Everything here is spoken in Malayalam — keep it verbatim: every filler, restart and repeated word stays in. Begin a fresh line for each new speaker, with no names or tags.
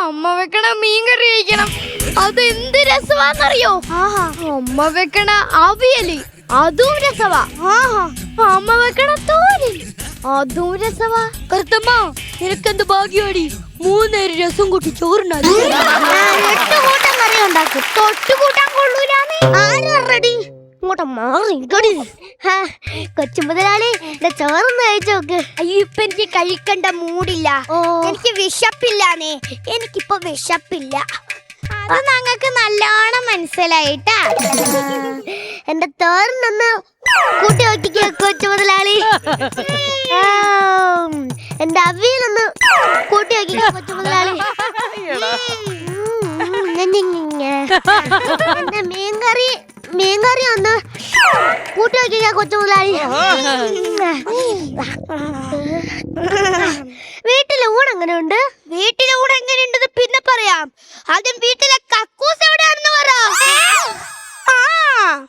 അമ്മ വെക്കണ മീൻ കറി കഴിക്കണം. അത് എന്ത് രസമാന്നറിയോ? അമ്മ വെക്കണ അവിയല് അതും രസവാ. അമ്മ വെക്കണ തോരൻ അതും രസവാ. കറുത്തമ്മ നിനക്കെന്ത് ഭാഗ്യമാടി, മൂന്നേര് രസം കൂട്ടി ചോറുണ്ടാക്കി എട്ട് കൂട്ടം കറി ഉണ്ടാക്കും. തൊട്ട് കൂട്ടാൻ കൊള്ളൂലാന്ന് ആരടി ഇങ്ങോട്ട് മാറി കൊച്ചു മുതലാളി ചോറൊന്ന് കഴിച്ചു നോക്ക്. അയ്യോ ഇപ്പൊ എനിക്ക് കഴിക്കണ്ട മൂടില്ല, എനിക്ക് വിശപ്പില്ലാന്നേ. എനിക്കിപ്പൊ വിശപ്പില്ല. അത് ഞങ്ങൾക്ക് നല്ലോണം മനസ്സിലായിട്ടാ. എന്റെ തോരനൊന്ന് കൂട്ടി നോക്കിക്കോ കൊച്ചു മുതലാളി. എന്റെ അവിയലൊന്ന് കൂട്ടി നോക്കിക്കോ കൊച്ചു മുതലാളി. എന്റെ മീൻകറി മീൻകറി ഒന്ന് കൂട്ടി നോക്കിക്കോ കൊച്ചു മുതലാളി. വീട്ടിലെ ഊണ് എങ്ങനെയുണ്ട്? വീട്ടിലെ ഊണ് എങ്ങനെയുണ്ടെന്ന് പിന്നെ പറയാം. ആദ്യം വീട്ടിലെ